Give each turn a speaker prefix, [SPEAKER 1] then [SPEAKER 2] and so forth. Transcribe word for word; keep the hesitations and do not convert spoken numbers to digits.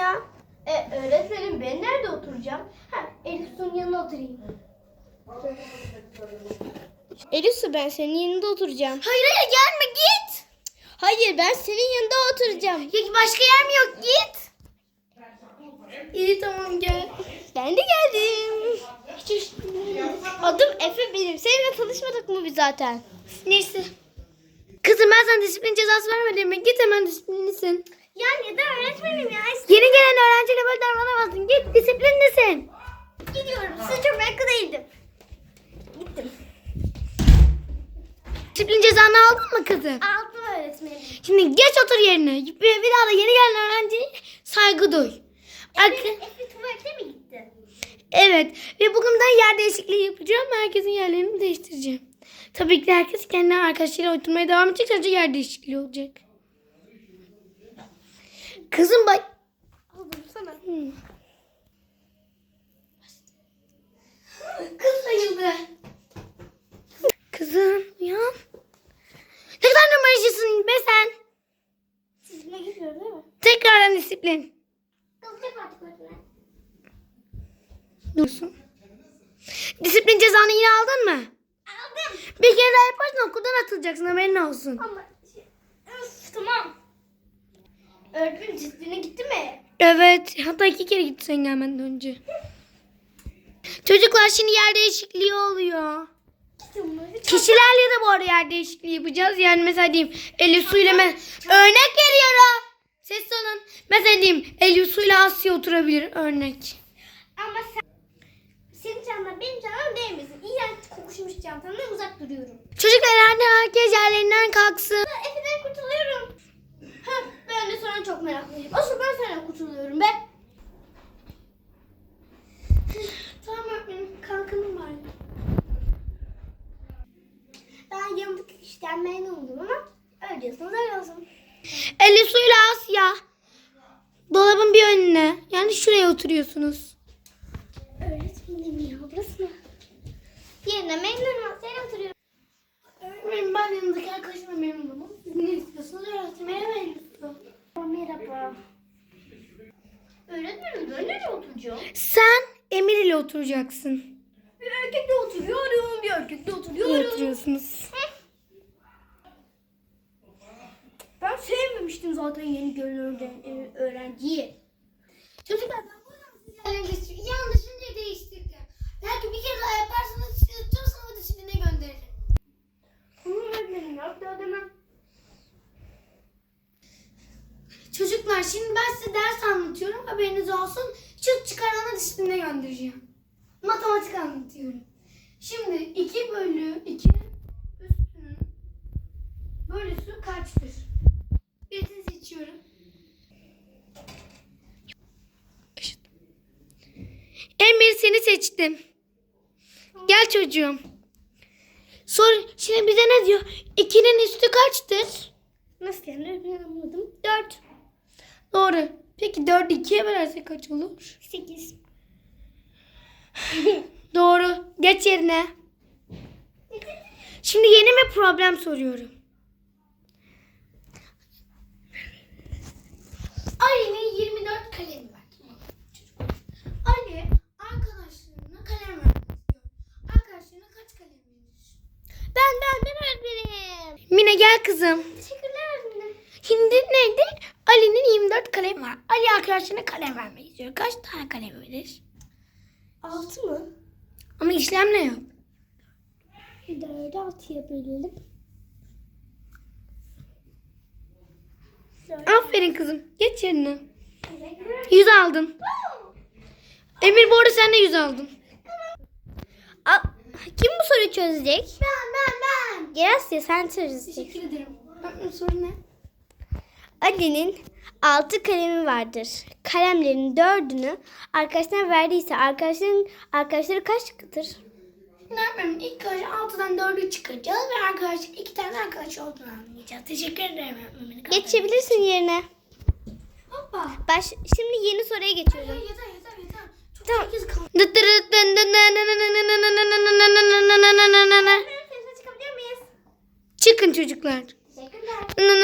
[SPEAKER 1] ya. E, öğretmenim ben nerede oturacağım? Ha, Elif Su'nun yanına oturayım. Elif Su ben senin yanında oturacağım.
[SPEAKER 2] Hayır hayır gelme git.
[SPEAKER 1] Hayır ben senin yanında oturacağım.
[SPEAKER 2] Ya başka yer mi yok git.
[SPEAKER 1] İyi tamam gel. Ben de geldim. Adım Efe benim. Seninle tanışmadık mı biz zaten?
[SPEAKER 2] Neyse. Kızım ben sana disiplin cezası vermedim mi? Git hemen disiplinlisin.
[SPEAKER 1] Ya neden öğretmenim ya? İşte
[SPEAKER 2] Yeni gelen öğrenciyle böyle davranamazsın. Git disiplinlisin.
[SPEAKER 1] gidiyorum. Size çok meraklı değildim. Gittim.
[SPEAKER 2] Disiplin cezanı aldın mı kızım?
[SPEAKER 1] Aldım öğretmenim.
[SPEAKER 2] Şimdi geç otur yerine. Bir, bir daha da yeni gelen öğrenciye saygı duy. Arka-
[SPEAKER 1] Efe, Efe tuvalete mi gitti?
[SPEAKER 2] Evet ve bugünden yer değişikliği yapacağım. Herkesin yerlerini değiştireceğim. Tabii ki de herkes kendi arkadaşlarıyla oturmaya devam edecek. Sadece yer değişikliği olacak. Kızım bak.
[SPEAKER 1] Aldım sana.
[SPEAKER 2] Hmm.
[SPEAKER 1] Kız sayıldı.
[SPEAKER 2] Kızım uyan. Ne kadar numaracısın be sen.
[SPEAKER 1] Sizinle gidiyor değil mi?
[SPEAKER 2] Tekrardan disiplin.
[SPEAKER 1] Kızacak artık öğretmen.
[SPEAKER 2] Dursun. Disiplin cezanı yine aldın mı?
[SPEAKER 1] Aldım.
[SPEAKER 2] Bir kere daha yaparsan okuldan atılacaksın, haberin olsun.
[SPEAKER 1] Ama şey, öf, tamam. Öğretmenim disipline gitti mi?
[SPEAKER 2] Evet, hatta iki kere gitti sen gelmeden önce. Çocuklar şimdi yer değişikliği oluyor. Kişilerle de bu arada yer değişikliği yapacağız. Yani mesela diyeyim Elif Su ile ben örnek veriyorum. Ses olun. Mesela diyeyim Elif Su ile Asya oturabilir örnek.
[SPEAKER 1] Ama sen, senin çantan benim çantam değmesin. İğrenç kokuşmuş çantamdan uzak duruyorum.
[SPEAKER 2] Çocuklar hadi herkes yerlerinden kalksın.
[SPEAKER 1] Efe'den kurtuluyorum. Ha, ben de sonra çok meraklıyım. Asıl ben senden kurtuluyorum be. Tamam öğretmenim, kalkanım var. Ben yanındaki işten memnun oldum ama öyle diyorsanız öyle olsun.
[SPEAKER 2] Elif Su ile Asya. Dolabın bir önüne. Yani şuraya oturuyorsunuz.
[SPEAKER 1] Öğretmenim ya, burası mı? Yerine memnunum. Sen oturuyorum.
[SPEAKER 2] Öğretmenim ben yanındaki arkadaşıma memnunum. Siz ne istiyorsunuz? Öğretmeye memnunum.
[SPEAKER 1] Merhaba. Öğretmenim ben nereye oturacağım?
[SPEAKER 2] Sen Emir ile oturacaksın.
[SPEAKER 1] Bir erkekle oturuyorum, bir erkekle
[SPEAKER 2] Ne
[SPEAKER 1] oturuyorum.
[SPEAKER 2] oturuyorsunuz?
[SPEAKER 1] Ben sevmemiştim zaten yeni gelen öğrenciyi.
[SPEAKER 2] Çocuklar ben bu yanlış yanlışınca değiştirdim. Belki bir kere daha yaparsanız sizi tüm sınıfı disipline gönderirim.
[SPEAKER 1] Bunu öğretmenim ya, bir daha demem.
[SPEAKER 2] Çocuklar şimdi ben size ders anlatıyorum. Haberiniz olsun. Çıt çıkarana disipline göndereceğim. Matematik anlatıyorum. Şimdi iki bölü ikinin üstünün bölüsü kaçtır? Birini seçiyorum. Emir seni seçtim. Gel çocuğum. Sor, şimdi bize ne diyor? ikinin üstü kaçtır?
[SPEAKER 1] Nasıl yani, ben anlamadım. Dört.
[SPEAKER 2] Doğru. Peki dördü ikiye bölersek kaç olur?
[SPEAKER 1] Sekiz.
[SPEAKER 2] Doğru. Geç yerine. Şimdi yeni bir problem soruyorum. Ali'nin yirmi dört kalemi var. Ali arkadaşlarına kalem vermek istiyor. Arkadaşlarına kaç kalem verir?
[SPEAKER 1] Ben, ben, ben öğretmenim.
[SPEAKER 2] Mine gel kızım.
[SPEAKER 1] Teşekkürler öğretmenim.
[SPEAKER 2] Şimdi neydi? Ali'nin yirmi dört kalemi var. Ali arkadaşlarına kalem vermek istiyor. Kaç tane kalem verir?
[SPEAKER 1] Altı mı?
[SPEAKER 2] Ama işlem ne yap?
[SPEAKER 1] Dördü altıya bölelim.
[SPEAKER 2] Aferin kızım. Geç yerine. yüz aldın. Emir bu arada sen de yüz aldın.
[SPEAKER 1] Aa, kim bu soruyu çözecek?
[SPEAKER 2] Ben ben ben.
[SPEAKER 1] Gerasya sen çözeceksin.
[SPEAKER 2] Teşekkür ederim. Öğretmenim soru ne?
[SPEAKER 1] Ali'nin altı kalemi vardır. Kalemlerin dördünü arkadaşına verdiyse arkadaşların arkadaşları kaçtır?
[SPEAKER 2] Öğretmenim ilk önce altıdan dördü çıkaracağız ve arkadaş iki tane arkadaş olduğunu anlayacağız. Teşekkür ederim öğretmenim.
[SPEAKER 1] Geçebilirsin yerine.
[SPEAKER 2] Hoppa.
[SPEAKER 1] Baş, şimdi yeni soruya geçiyorum.
[SPEAKER 2] Yeter yeter yeter. Çok
[SPEAKER 1] Tamam.
[SPEAKER 2] herkes kaldı.
[SPEAKER 1] Çıkabilir miyiz?
[SPEAKER 2] Çıkın çocuklar.
[SPEAKER 1] Teşekkürler.